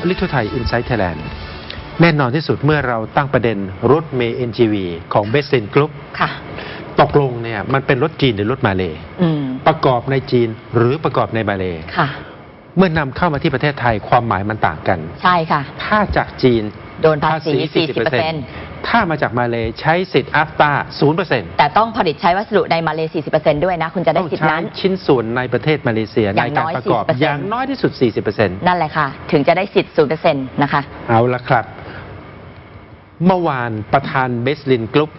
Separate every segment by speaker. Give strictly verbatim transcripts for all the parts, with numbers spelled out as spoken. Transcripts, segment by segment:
Speaker 1: ลิทัวไทยอินไซต์ไทยแลนด์แน่นอนที่สุดเมื่อเราตั้งประเด็นรถเมย์ เอ็น จี วี ของเบสซินกรุ๊ปตกลงเนี่ยมันเป็นรถจีนหรือรถมาเลย์ประกอบในจีนหรือประกอบในมาเลย์เมื่อนำเข้ามาที่ประเทศไทยความหมายมันต่างกันใช่ค่ะถ้าจากจีนโดนภาษี สี่สิบเปอร์เซ็นต์ ถ้ามาจากมาเลย์ใช้สิทธิ์อัฟตา ศูนย์เปอร์เซ็นต์ แต่ต้องผลิตใช้วัสดุในมาเลย์ สี่สิบเปอร์เซ็นต์ ด้วยนะคุณจะได้สิทธิ์นั้นชิ้นส่วนในประเทศมาเลเซียในการประกอบอย่างน้อยที่สุด สี่สิบเปอร์เซ็นต์ นั่นแหละค่ะถึงจะได้สิทธิ์ ศูนย์เปอร์เซ็นต์ นะคะเอาละครับเมื่อวานประธานเบสลินกรุ๊ป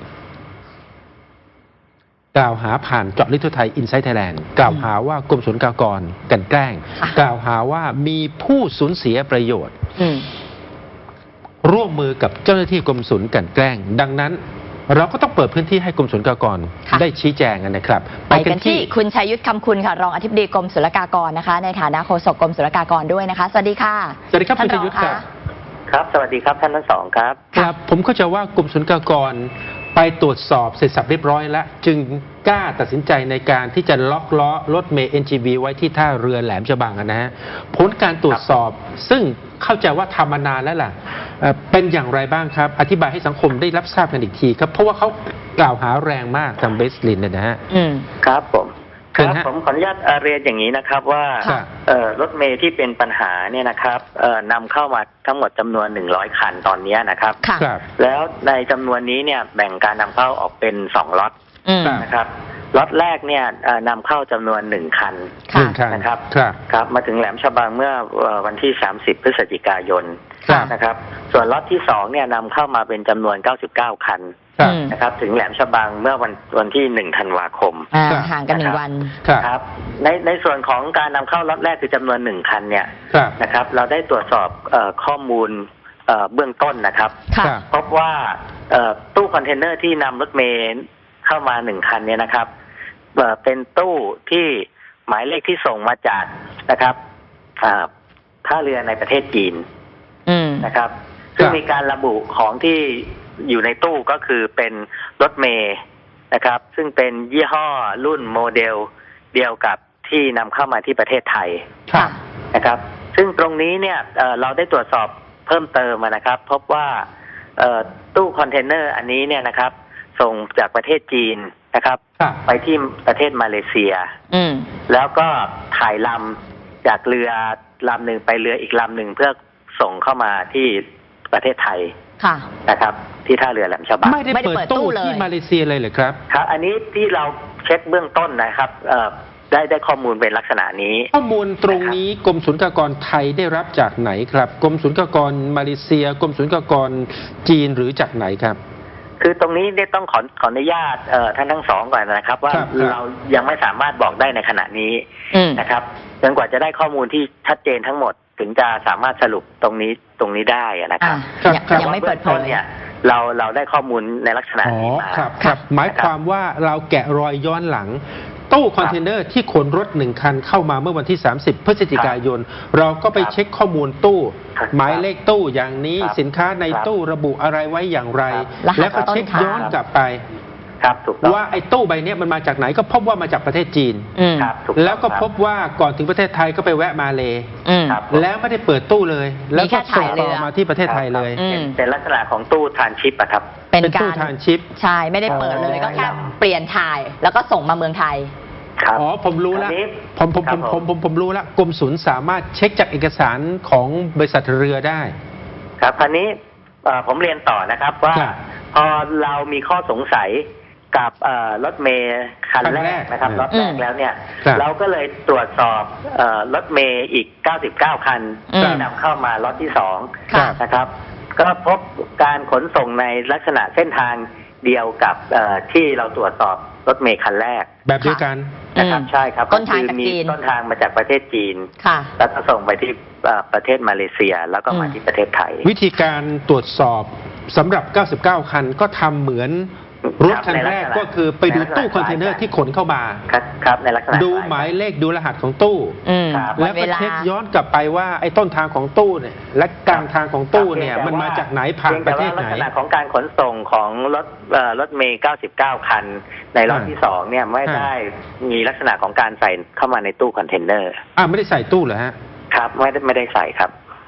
Speaker 1: กล่าวหาผ่านเจาะลึกทั่วไทยอินไซต์ไทยแลนด์กล่าวหาว่ากรมศุลกากรกลั่นแกล้งกล่าวหาว่ามีผู้สูญเสียประโยชน์ร่วมมือกับเจ้าหน้าที่กรมศุลกลั่นแกล้งดังนั้นเราก็ต้องเปิดพื้นที่ให้กรมศุลกากรได้ชี้แจงกันนะครับไปกันที่คุณชัยยุทธคำคุณค่ะรองอธิบดีกรมศุลกากรนะคะในฐานะโฆษกกรมศุลกากรด้วยนะคะสวัสดีค่ะ
Speaker 2: สวัสดีครับคุณชัยยุทธครับครับสวัสดีครับท่านทั้งสองครับ
Speaker 1: ครับผมเข้าใจว่ากรมศุลกากรไปตรวจสอบเสร็จสับเรียบร้อยแล้วจึงกล้าตัดสินใจในการที่จะล็อกล้อรถเมย์ เอ็น จี วี ไว้ที่ท่าเรือแหลมฉบังนะฮะผลการตรวจสอบซึ่งเข้าใจว่าทำมานานแล้วล่ะเป็นอย่างไรบ้างครับอธิบายให้สังคมได้รับทราบกันอีกทีครับเพราะว่าเขากล่าวหาแรงมากทางเบสลินเนี่ยนะฮะ
Speaker 2: ครับผมครับผมขออนุญาตเรียนอย่างนี้นะครับว่ารถเมย์ที่เป็นปัญหาเนี่ยนะครับนำเข้ามาทั้งหมดจำนวนหนึ่งร้อยคันตอนนี้นะครับแล้วในจำนวนนี้เนี่ยแบ่งการนำเข้าออกเป็นสองล็อตนะครับล็อตแรกเนี่ยนำเข้าจำนวนหนึ่งคันนะครับครับมาถึงแหลมฉบังเมื่อวันที่สามสิบพฤศจิกายนนะครับส่วนล็อตที่สองเนี่ยนำเข้ามาเป็นจำนวนเก้าสิบเก้าคันนะครับถึงแหลมฉบังเมื่อวันวันที่หนึ่งธันวาคม
Speaker 3: ห่างกันหนึ่งวัน
Speaker 2: ครับในในส่วนของการนำเข้าล็อตแรกคือจำนวนหนึ่งคันเนี่ยนะครับเราได้ตรวจสอบข้อมูลเบื้องต้นนะครับพบว่าตู้คอนเทนเนอร์ที่นำรถเมล์เข้ามาหนึ่งคันเนี่ยนะครับเป็นตู้ที่หมายเลขที่ส่งมาจากนะครับท่าเรือในประเทศจีนนะครับซึ่งมีการระบุของที่อยู่ในตู้ก็คือเป็นรถเมล์นะครับซึ่งเป็นยี่ห้อรุ่นโมเดลเดียวกับที่นำเข้ามาที่ประเทศไทยนะครับซึ่งตรงนี้เนี่ยเราได้ตรวจสอบเพิ่มเติมนะครับพบว่าตู้คอนเทนเนอร์อันนี้เนี่ยนะครับส่งจากประเทศจีนนะครับไปที่ประเทศมาเลเซียแล้วก็ถ่ายลำจากเรือลำหนึ่งไปเรืออีกลำหนึ่งเพื่อส่งเข้ามาที่ประเทศไทยนะครับที่ท่าเรือแหลมฉบัง
Speaker 1: ไม่ได้เปิดตู้ที่มาเลเซียเลยเหรอครับ
Speaker 2: ครับอันนี้ที่เราเช็คเบื้องต้นนะครับได้ได้ข้อมูลเป็นลักษณะนี้
Speaker 1: ข้อมูลตรงนี้กรมศุลกากรไทยได้รับจากไหนครับกรมศุลกากรมาเลเซียกรมศุลกากรจีนหรือจากไหนครับ
Speaker 2: คือตรงนี้ได้ต้องขอขออนุญาตท่านทั้งสองก่อนนะครับว่าเรายังไม่สามารถบอกได้ในขณะนี้นะครับจนกว่าจะได้ข้อมูลที่ชัดเจนทั้งหมดถึงจะสามารถสรุปตรงนี้ตรงนี้ได้นะครับ
Speaker 3: ยังไม่เปิดเผย
Speaker 2: เนี่ยเราเราได้ข้อมูลในลักษณะนี้มา
Speaker 1: ครับหมายความว่าเราแกะรอยย้อนหลังตู้คอนเทนเนอร์ที่ขนรถหนึ่งคันเข้ามาเมื่อวันที่สามสิบพฤศจิกายนเราก็ไปเช็คข้อมูลตู้หมายเลขตู้อย่างนี้สินค้าในตู้ระบุอะไรไว้อย่างไรแล้วก็เช็คย้อนกลับไปว่าไอ้ตู้ใบนี้มันมาจากไหนก็พบว่ามาจากประเทศจีนแล้วก็พบว่าก่อนถึงประเทศไทยก็ไปแวะมาเลยแล้วไม่ได้เปิดตู้เลยแล้วก็ส่งต่อมาที่ประเทศไทยเลย
Speaker 2: เป็นลักษณะของตู้ทรานชิปอะครับ
Speaker 3: เป็นตู้
Speaker 1: ทรานชิป
Speaker 3: ใช่ไม่ได้เปิดเลยก็แค่เปลี่ยนถ่ายแล้วก็ส่งมาเมืองไทย
Speaker 1: อ๋อผมรู้แล้วผมผมผมผมผมผมรู้แล้วกรมศุลสามารถเช็คจากเอกสารของบริษัทเรือได้
Speaker 2: ครับคราวนี้ผมเรียนต่อนะครับว่าพอเรามีข้อสงสัยกับรถเมล์คันแรกนะครับรถแรกแล้วเนี่ยเราก็เลยตรวจสอบรถเมล์อีกเก้าสิบเก้าคันที่นำเข้ามาล็อตที่สองนะครับก็พบการขนส่งในลักษณะเส้นทางเดียวกับที่เราตรวจสอบรถเมล์คันแรก
Speaker 1: แบบเดียวกัน
Speaker 2: นะครับใช่ครับก็คือมีต้นทางมาจากประเทศจีนแล้วก็ส่งไปที่ประเทศมาเลเซียแล้วก็มาที่ประเทศไทย
Speaker 1: วิธีการตรวจสอบสำหรับเก้าสิบเก้าคันก็ทำเหมือนรถคันแรกก็คือไปดูตู้คอนเทนเนอร์ที่ขนเข้ามา
Speaker 2: ครับในลักษณะ
Speaker 1: ดูหมายเลขดูรหัสของตู้แล้วก็เช็คย้อนกลับไปว่าไอ้ต้นทางของตู้เนี่ยและกลางทางของตู้เนี่ยมันมาจากไหนผ่านประเทศไหน
Speaker 2: ลักษณะของการขนส่งของรถรถเมล์เก้าสิบเก้าคันในรอบที่สองเนี่ยไม่ได้มีลักษณะของการใส่เข้ามาในตู้คอนเทนเนอร์
Speaker 1: อ่าไม่ได้ใส่ตู้เหรอฮะ
Speaker 2: ครับไม่ได้ไม่ได้ใส่ครับ
Speaker 1: อ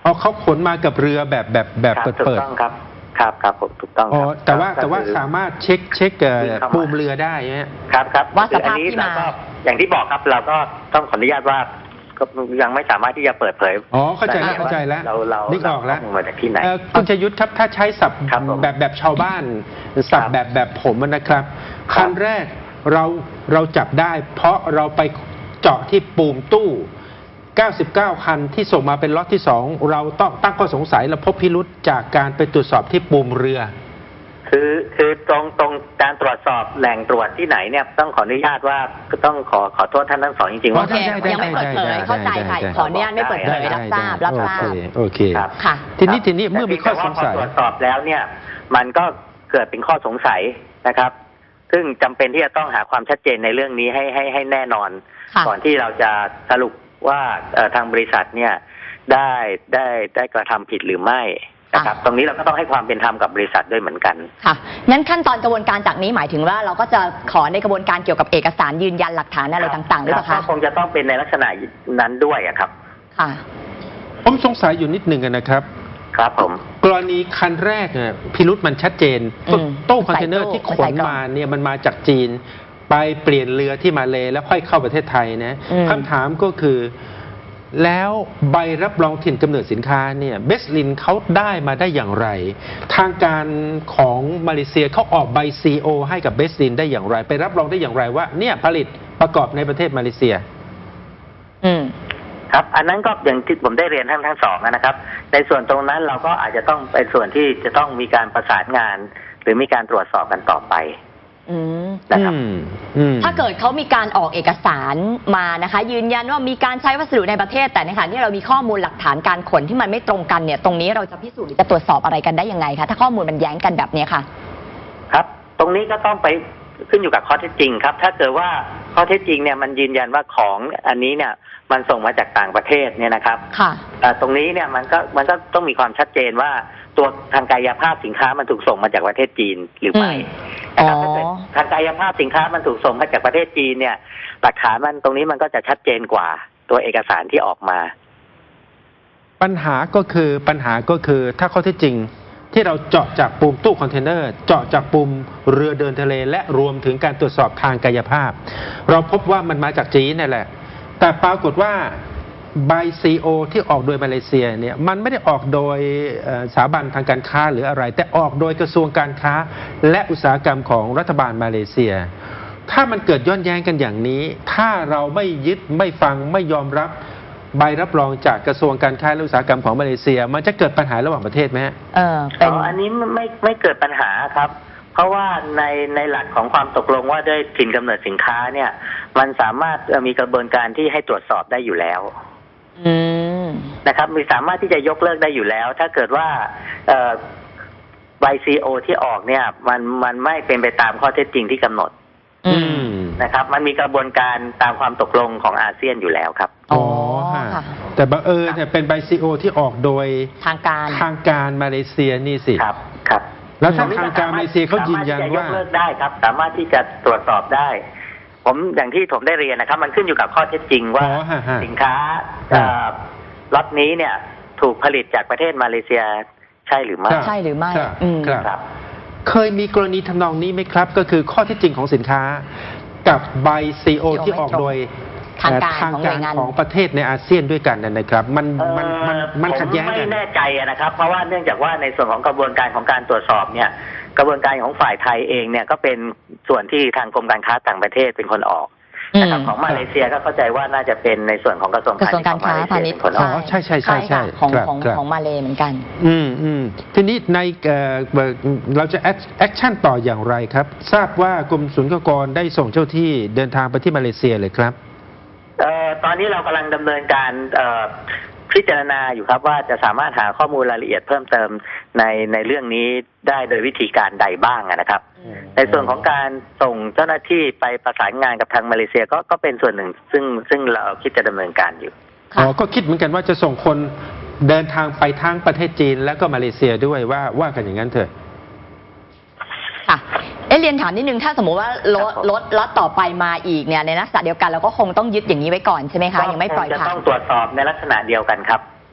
Speaker 1: อ๋อเขาขนมากับเรือแบบแบบแบบ
Speaker 2: ครับ
Speaker 1: เปิด
Speaker 2: ถูก
Speaker 1: เปิด
Speaker 2: ต้องครับครับครับผมถูกต้อง
Speaker 1: อ๋อ
Speaker 2: ครับ
Speaker 1: แต่ว่า
Speaker 2: ก็
Speaker 1: แต่ว่า
Speaker 2: คือ
Speaker 1: สามารถเช็คเช็คเอ่อ
Speaker 2: วิ่งเข้ามา
Speaker 1: ปูมเรือได้ฮะ
Speaker 2: ครับครับ
Speaker 3: ว่าส
Speaker 2: คืออั
Speaker 3: ภาพ
Speaker 2: นี้
Speaker 3: ที่
Speaker 2: เรา
Speaker 3: มา
Speaker 2: ก็อย่างที่บอกครับเราก็ต้องขออนุญาตว่าก็ยังไม่สามารถที่จะเปิดเผย
Speaker 1: อ๋อเข้าใจแล้ว
Speaker 2: ได้
Speaker 1: เข้าใจแล้ว
Speaker 2: เราเรา
Speaker 1: นึกออกแล้ว
Speaker 2: เราข้อมูลมาจากที่ไหน
Speaker 1: เอ่อคุณชยุทธครับถ้าใช้ศัพท์
Speaker 2: ครับผม
Speaker 1: แบบแบบชาวบ้านศัพ
Speaker 2: ครั
Speaker 1: ท์
Speaker 2: บ
Speaker 1: แบบแบบผมนะครับ
Speaker 2: ครับ
Speaker 1: คันแรกเราเราจับได้ เพราะเราไปเจาะที่ปูมตู้ เก้าสิบเก้า คันที่ส่งมาเป็นล็อตที่สองเราต้องตั้งข้อสงสัยและพบพิรุษจากการไปตรวจสอบที่ปูมเรือ
Speaker 2: คือคือตรงตรงการตรวจสอบแหล่งตรวจที่ไหนเนี่ยต้องขออนุญาตว่าก็ต้องขอขอโทษท่านทั้งสองจริงๆ
Speaker 3: โอ
Speaker 2: ว่า
Speaker 3: เค
Speaker 1: ได้ได้
Speaker 3: ยังไม่เปิดเผย
Speaker 1: ได้
Speaker 3: เข้าใจ
Speaker 1: ได้
Speaker 3: ค่ะ
Speaker 1: ได้
Speaker 3: ขออนุญาตไม่เปิดเผยรับทราบรับทราบ
Speaker 1: โอเคโอเค
Speaker 2: ครับ
Speaker 3: ค่ะ
Speaker 1: ทีนี้ทีนี้เมื่อมีข้อสงสัย
Speaker 2: แต่เพียงแต่ว่าพอตรวจสอบแล้วเนี่ยมันก็เกิดเป็นข้อสงสัยนะครับ ซึ่งจำเป็นที่จะต้องหาความชัดเจนในเรื่องนี้ให้ให้ให้แน่นอน
Speaker 3: ค่ะ
Speaker 2: ก่อนที่เราจะสรุปว่าเอ่อทางบริษัทเนี่ยได้ได้ได้กระทำผิดหรือไม่นะครับ ตรงนี้เราก็ต้องให้ความเป็นธรรมกับบริษัทด้วยเหมือนกัน
Speaker 3: ค่ะงั้นขั้นตอนกระบวนการจากนี้หมายถึงว่าเราก็จะขอในกระบวนการเกี่ยวกับเอกสารยืนยันหลักฐานอะไรต่างๆหรือเปล่า
Speaker 2: ครั
Speaker 3: คะ
Speaker 2: บก็คงจะต้องเป็นในลักษณะนั้นด้วยอะครับ
Speaker 3: ค่ะ
Speaker 1: ผมสงสัยอยู่นิดหนึ่งนะครับ
Speaker 2: ครับผม
Speaker 1: กรณีคันแรกเนี่ยพิรุษมันชัดเจน
Speaker 3: อืม
Speaker 1: ตู้คอนเทนเนอร์
Speaker 3: ใส่ตู้
Speaker 1: ที่ข
Speaker 3: ใส่
Speaker 1: น
Speaker 3: กล่อง
Speaker 1: มาเนี่ยมันมาจากจีน ไปเปลี่ยนเรือที่มาเลแล้วค่อยเข้าประเทศไทยนะ
Speaker 3: อืม
Speaker 1: คำถามก็คือ แล้วใบรับรองถิ่นกำเนิดสินค้าเนี่ยเบสลินเขาได้มาได้อย่างไร ทางการของมาเลเซียเขาออกใบ ซี โอ ให้กับเบสลินได้อย่างไร ไปรับรองได้อย่างไรว่าเนี่ยผลิตประกอบในประเทศมาเลเซีย
Speaker 3: อืม
Speaker 2: ครับ อันนั้นก็อย่างที่ผมได้เรียนทั้งทั้งสองนะครับ ในส่วนตรงนั้นเราก็อาจจะต้องเป็นส่วนที่จะต้องมีการประสานงาน หรือมีการตรวจสอบกันต่อไป
Speaker 3: อืม
Speaker 2: นะครับ
Speaker 1: อืมอืม
Speaker 3: ถ้าเกิดเขามีการออกเอกสารมานะคะ ยืนยันว่ามีการใช้วัสดุในประเทศ แต่ในขณะที่เรามีข้อมูลหลักฐานการขนที่มันไม่ตรงกันเนี่ย ตรงนี้เราจะพิสูจน์หรือจะตรวจสอบอะไรกันได้ยังไงคะถ้าข้อมูลมันแย้งกันแบบเนี้ยค่ะ
Speaker 2: ครับ ตรงนี้ก็ต้องไปขึ้นอยู่กับข้อเท็จจริงครับ ถ้าเกิดว่าข้อเท็จจริงเนี่ยมันยืนยันว่าของอันนี้เนี่ยมันส่งมาจากต่างประเทศเนี่ยนะครับ
Speaker 3: ค่ะ
Speaker 2: เอ่อตรงนี้เนี่ยมันก็มันก็ต้องมีความชัดเจนว่าตัวทางกายภาพสินค้ามันถูกส่งมาจากประเทศจีนหรือไม่
Speaker 3: อืม
Speaker 2: นะครับ
Speaker 3: อ๋อ
Speaker 2: ถ้าเกิดทางกายภาพสินค้ามันถูกส่งมาจากประเทศจีนเนี่ยหลักฐานมันตรงนี้มันก็จะชัดเจนกว่าตัวเอกสารที่ออกมา
Speaker 1: ปัญหาก็คือปัญหาก็คือถ้าข้อเท็จจริงที่เราเจาะจากปุ่มตู้คอนเทนเนอร์ เจาะจากปุ่มเรือเดินทะเล และรวมถึงการตรวจสอบทางกายภาพ เราพบว่ามันมาจากจีนนั่นแหละ แต่ปรากฏว่าใบ ซี โอ ที่ออกโดยมาเลเซียเนี่ยมันไม่ได้ออกโดยเอ่อสถาบันทางการค้าหรืออะไร แต่ออกโดยกระทรวงการค้า และอุตสาหกรรมของรัฐบาลมาเลเซีย ถ้ามันเกิดย้อนแย้งกันอย่างนี้ ถ้าเราไม่ยึดไม่ฟังไม่ยอมรับใบรับรองจากกระทรวงการค้าและอุตสาหกรรมของมาเลเซีย มันจะเกิดปัญหาระหว่างประเทศไหมฮะ
Speaker 3: เออเป็น
Speaker 2: อ๋ออันนี้ไม่ไม่เกิดปัญหาครับ เพราะว่าในในหลักของความตกลงว่าด้วยถิ่นกำเนิดสินค้าเนี่ยมันสามารถเอ่อมีกระบวนการที่ให้ตรวจสอบได้อยู่แล้ว
Speaker 3: อืม
Speaker 2: นะครับมีสามารถที่จะยกเลิกได้อยู่แล้ว ถ้าเกิดว่าเอ่อใบ ซี โอ ที่ออกเนี่ยมันมันไม่เป็นไปตามข้อเท็จจริงที่กำหนด
Speaker 3: อืม
Speaker 2: นะครับ มันมีกระบวนการตามความตกลงของอาเซียนอยู่แล้วครับ
Speaker 3: อ๋อ
Speaker 1: ฮะ
Speaker 3: ค่ะ
Speaker 1: แต่บังเอิญเนี่ยเป็นใบ ซี โอ ที่ออกโดย
Speaker 3: ทางการ
Speaker 1: ทางการมาเลเซียนี่สิ
Speaker 2: ครับครับ
Speaker 1: แล้วถ้าทางการมาเลเซียเขายืนยัน
Speaker 2: สมรถที่จะ
Speaker 1: ว่า
Speaker 2: ยกเลิกได้ครับ สามารถที่จะตรวจสอบได้ ผมอย่างที่ผมได้เรียนนะครับ มันขึ้นอยู่กับข้อเท็จจริงว่า
Speaker 1: อ๋อฮะฮะ
Speaker 2: สินค้า
Speaker 1: ครับ
Speaker 2: เอ่อล็อตนี้เนี่ยถูกผลิตจากประเทศมาเลเซียใช่หรือไม่
Speaker 3: ใช่หรือไม่
Speaker 1: ครับ
Speaker 3: อืม
Speaker 1: ครับ
Speaker 2: ครับ
Speaker 1: เคยมีกรณีทำนองนี้ไหมครับ ก็คือข้อเท็จจริงของสินค้า กับใบ ซี โอ
Speaker 3: ซี โอ
Speaker 1: ที่ออกโดย
Speaker 3: ทางการ
Speaker 1: เอ่อทาง
Speaker 3: ของหน่
Speaker 1: กา
Speaker 3: วย
Speaker 1: รง
Speaker 3: าน
Speaker 1: ของประเทศในอาเซียนด้วยกันนะนะครับ มันมันมันมันขัดแย้ง
Speaker 2: ผม
Speaker 1: กั
Speaker 2: ไม่
Speaker 1: น
Speaker 2: แน่ใจอะนะครับ เพราะว่าเนื่องจากว่าในส่วนของกระบวนการของการตรวจสอบเนี่ย กระบวนการของฝ่ายไทยเองเนี่ยก็เป็นส่วนที่ทางกรมการค้าต่างประเทศเป็นคนออกนะครับ
Speaker 3: อืม
Speaker 2: ของมาเลเซียก็เข้าใจว่าน่าจะเป็นในส่วนของกระทรวง
Speaker 3: กระทรวงการค้าพาณิชย์
Speaker 2: ของมาเลเซียเป็นคนอ
Speaker 1: อ๋
Speaker 2: อก
Speaker 1: อใช่ใช่ใช่ใช่
Speaker 3: ค่ะของ
Speaker 1: ครับ
Speaker 3: ของ
Speaker 1: ครับ
Speaker 3: ของมาเลเหมือนกัน
Speaker 1: อืมอืมทีนี้ในเอ่อเอ่อเราจะแอคชั่นต่ออย่างไรครับ ทราบว่ากรมศุลกากรได้ส่งเจ้าที่เดินทางไปที่มาเลเซียเลยครับ
Speaker 2: เอ่อตอนนี้เรากำลังดำเนินการเอ่อพิจารณาอยู่ครับว่าจะสามารถหาข้อมูลรายละเอียดเพิ่มเติมในในเรื่องนี้ได้โดยวิธีการใดบ้างอะนะครับ ในส่วนของการส่งเจ้าหน้าที่ไปประสานงานกับทางมาเลเซียก็ก็เป็นส่วนหนึ่ง ซึ่งซึ่งเราคิดจะดำเนินการอยู่
Speaker 1: อ๋อ ก็คิดเหมือนกันว่าจะส่งคนเดินทางไปทั้งประเทศจีนแล้วก็มาเลเซียด้วยว่าว่ากันอย่างนั้นเถอะ
Speaker 3: ค่ะ เอ๊ะเรียนถามนิดนึงถ้าสมมติว่ารถ
Speaker 2: ครับผม
Speaker 3: รถล็อตต่อไปมาอีกเนี่ยในลักษณะเดียวกันเราก็คงต้องยึดอย่างนี้ไว้ก่อนใช่ไหมคะยังไม่ปล่อย
Speaker 2: ก็คงจะ
Speaker 3: ผ่า
Speaker 2: ต้อน งตรวจสอบในลักษณะเดียวกันครับ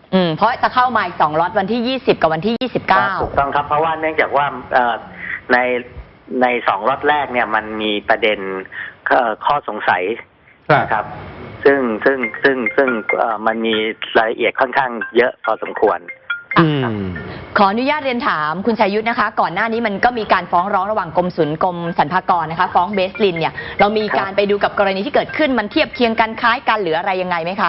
Speaker 3: อืมเพราะจะเข้ามาอีกสองล็อตวันที่ยี่สิบกับวันที่ยี่สิบเก้า
Speaker 2: ถูกต้องครับเพราะว่าเนื่องจากว่าในในสองล็อตแรกเนี่ยมันมีประเด็นข้อสงสัยนะครับซึ่งซึ่งซึ่งซึ่งมันมีรายละเอียดค่อนข้างเยอะพอสมควร
Speaker 3: ขออนุญาตเรียนถามคุณชัยยุทธนะคะ ก่อนหน้านี้มันก็มีการฟ้องร้องระหว่างกรมศุลกรมสรรพากรนะคะฟ้องเบสลินเนี่ยเรามีการไปดูกับกรณีที่เกิดขึ้นมันเทียบเคียงกันคล้ายกันหรืออะไรยังไงไหมคะ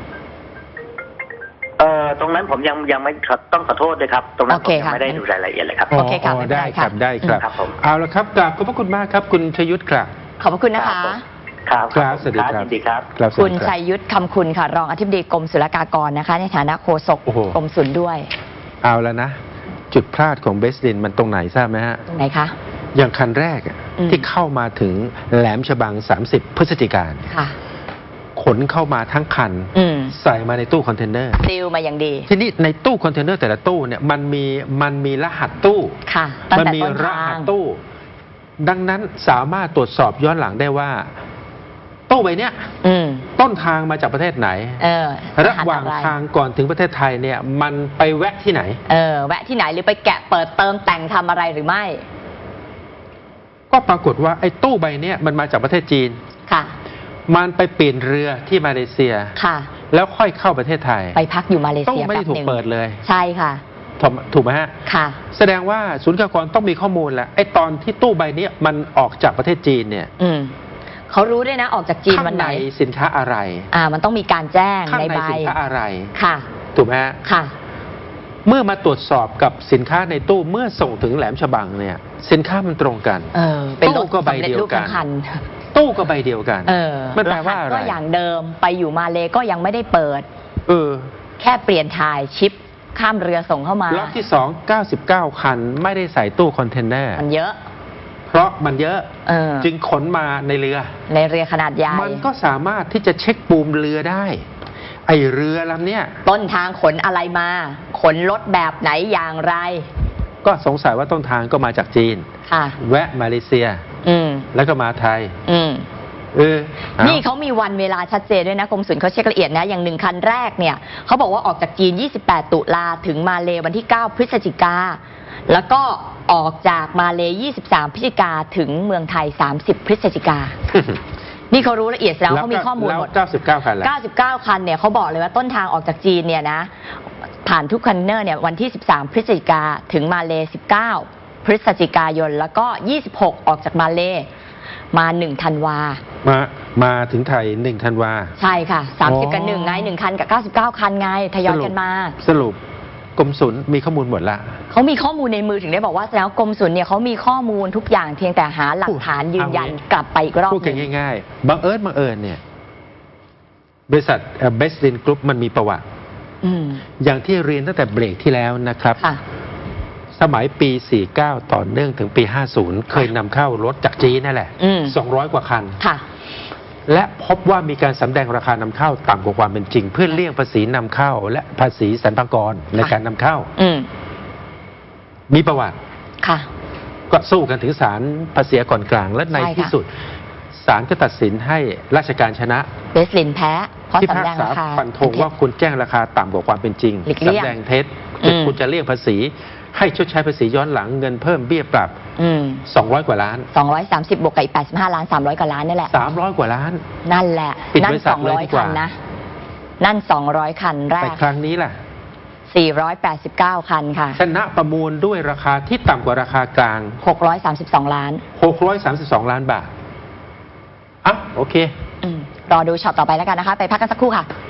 Speaker 2: เอ่อตรงนั้นผมยังยังไม่ต้องขอโทษเลยครับตรงนั้นผมยังไม่ได้ดูรายละเอียดเลยครับ
Speaker 3: โอเคครับ
Speaker 1: ได้ครับได้ครับเอาละครับกราบขอบพระคุณมากครับคุณชัยยุทธครับ
Speaker 3: ขอบพระคุณนะคะ
Speaker 2: ครับ
Speaker 1: ครับสวัสดีครับ
Speaker 3: คุณชัยยุทธคำคุณค่ะรองอธิบดีกรมศุลกากรนะคะในฐานะโฆษกกรมศุลด้วย
Speaker 1: เอาแล้วนะจุดพลาดของเบสลินมันตรงไหนทราบไหมฮะ
Speaker 3: ตรงไหนคะ
Speaker 1: อย่างคันแรกที่เข้ามาถึงแหลมฉบังสามสิบพฤศจิกายนขนเข้ามาทั้งคันใส่มาในตู้คอนเทนเนอร์
Speaker 3: ซีลมาอย่างดี
Speaker 1: ทีนี้ในตู้คอนเทนเนอร์แต่ละตู้เนี่ยมันมีมันมีรหัสตู้
Speaker 3: ค่ะ
Speaker 1: มันมีรหัสตู้ดังนั้นสามารถตรวจสอบย้อนหลังได้ว่าตู้ใบเนี้ยต้นทางมาจากประเทศไหนระหว่างทางก่อนถึงประเทศไทยเนี่ยมันไปแวะที่ไหน
Speaker 3: เออแวะที่ไหนหรือไปแกะเปิดเติมแต่งทำอะไรหรือไม่
Speaker 1: ก็ปรากฏว่าไอ้ตู้ใบเนี้ยมันมาจากประเทศจีน
Speaker 3: ค่ะ
Speaker 1: มันไปเปลี่ยนเรือที่มาเลเซีย
Speaker 3: ค่ะ
Speaker 1: แล้วค่อยเข้าประเทศไทย
Speaker 3: ไปพักอยู่มาเลเซีย
Speaker 1: ตู้ไม่ได้ถูกเปิดเลย
Speaker 3: ใช่ค่ะ
Speaker 1: ถูกไหมฮะ
Speaker 3: ค่ะ
Speaker 1: แสดงว่าศูนย์กากรต้องมีข้อมูลแหละไอ้ตอนที่ตู้ใบนี้มันออกจากประเทศจีนเนี่ย
Speaker 3: อืมเขารู้ด้วยนะออกจากจีนวันไหน
Speaker 1: ข้างในสินค้าอะไร
Speaker 3: อ่ามันต้องมีการแจ้งในใบ
Speaker 1: สินค้าอะไร
Speaker 3: ค่ะ
Speaker 1: ถูกไหมฮะ
Speaker 3: ค่ะ
Speaker 1: เมื่อมาตรวจสอบกับสินค้าในตู้เมื่อส่งถึงแหลมฉบังเนี่ยสินค้ามันตรงกัน
Speaker 3: เออเป็น
Speaker 1: ตู้ก็ใบเดียวกันตู้ก็ใบเดียวกัน
Speaker 3: เออ
Speaker 1: มันแปลว่าอะไร
Speaker 3: ก็อย่างเดิมไปอยู่มาเลก็ยังไม่ได้เปิด
Speaker 1: เออ
Speaker 3: แค่เปลี่ยนถ่ายชิปข้ามเรือส่งเข้ามา
Speaker 1: ล็อตที่สอง เก้าสิบเก้า คันไม่ได้ใส่ตู้คอนเทนเนอร์
Speaker 3: มันเยอะ
Speaker 1: เพราะมันเยอะจึงขนมาในเรือ
Speaker 3: ในเรือขนาดใหญ่
Speaker 1: มันก็สามารถที่จะเช็คปูมเรือได้ไอเรือลำเนี้ย
Speaker 3: ต้นทางขนอะไรมาขนรถแบบไหนอย่างไร
Speaker 1: ก็สงสัยว่าต้นทางก็มาจากจีน
Speaker 3: ค่ะ
Speaker 1: แวะมาเลเซีย
Speaker 3: อืม
Speaker 1: แล้วก็มาไทย
Speaker 3: อืม
Speaker 1: เออ
Speaker 3: นี่เขามีวันเวลาชัดเจนด้วยนะกรมศุลเขาเช็คละเอียดนะอย่างหนึ่งคันแรกเนี่ยเขาบอกว่าออกจากจีนยี่สิบแปดตุลาถึงมาเลวันที่เก้าพฤศจิกาแล้วก็ออกจากมาเลยี่สิบสามพฤศจิกาถึงเมืองไทยสามสิบพฤศจิกานี่เขารู้ละเอียดแล้วเขามีข้อมูลหมด
Speaker 1: เก้าสิบเก้าคัน
Speaker 3: เก้าสิบเก้าคันเนี่ยเขาบอกเลยว่าต้นทางออกจากจีนเนี่ยนะผ่านทุกคอนเทนเนอร์เนี่ยวันที่สิบสามพฤศจิกาถึงมาเลสิบเก้าพฤศจิกายนแล้วก็ยี่สิบหกออกจากมาเลมาหนึ่งธันวา
Speaker 1: มามาถึงไทยหนึ่งธันวา
Speaker 3: ใช่ค่ะสามสิบกับหนึ่งไงหนึ่งคันกับเก้าสิบเก้าคันไงทยอยกันมา
Speaker 1: สรุปกรมศุลมีข้อมูลหมดละ
Speaker 3: เขามีข้อมูลในมือถึงได้บอกว่าแล้วกรมศุลเนี่ยเขามีข้อมูลทุกอย่างเพียงแต่หาหลักฐานยืนยันกลับไปอีกรอบ
Speaker 1: พูดกันง่ายๆบังเอิญบังเอิญเนี่ยบริษัทเบสลินกรุ๊ปมันมีประวัติอย่างที่เรียนตั้งแต่เบรกที่แล้วนะครับสมัยปีสี่สิบเก้าต่อเนื่องถึงปีห้าสิบเคยนำเข้ารถจากจีนนั่นแหละสองร้อยกว่าคันและพบว่ามีการสำแดงราคานำเข้าต่ำกว่าความเป็นจริงเพื่อเลี่ยงภาษีนำเข้าและภาษีสรรพากรในการนำเข้ามีประวัติก็สู้กันถึงศาลภาษีก่อนกลางและในที่สุดศาลก็ตัดสินให้ราชการชนะ
Speaker 3: เบสลินแพ้เพราะสำแดงราคา
Speaker 1: ฟันธงว่าคุณแจ้งราคาต่ำกว่าความเป็นจริงสำแดงเท็จคุณจะเลี่ยงภาษีให้ชดใช้ภาษีย้อนหลังเงินเพิ่มเบี้ยปรับสองร้อยกว่าล้าน
Speaker 3: สองร้อยสามสิบบวกกับอีกแปดสิบห้าล้านสามร้อยกว่าล้านนี่แหละ
Speaker 1: สามร้อยกว่าล้าน
Speaker 3: นั่นแหละนั่นสองร้อยคันนะนั่นสองร้อยคันแรก
Speaker 1: แต่ครั้งนี้ล่ะ
Speaker 3: สี่ร้อยแปดสิบเก้าคันค่ะ
Speaker 1: ชนะประมูลด้วยราคาที่ต่ำกว่าราคากลาง
Speaker 3: หกร้อยสามสิบสองล้าน
Speaker 1: หกร้อยสามสิบสองล้านบาทอ่ะโอเค
Speaker 3: รอดูช็อตต่อไปแล้วกันนะคะไปพักกันสักครู่ค่ะ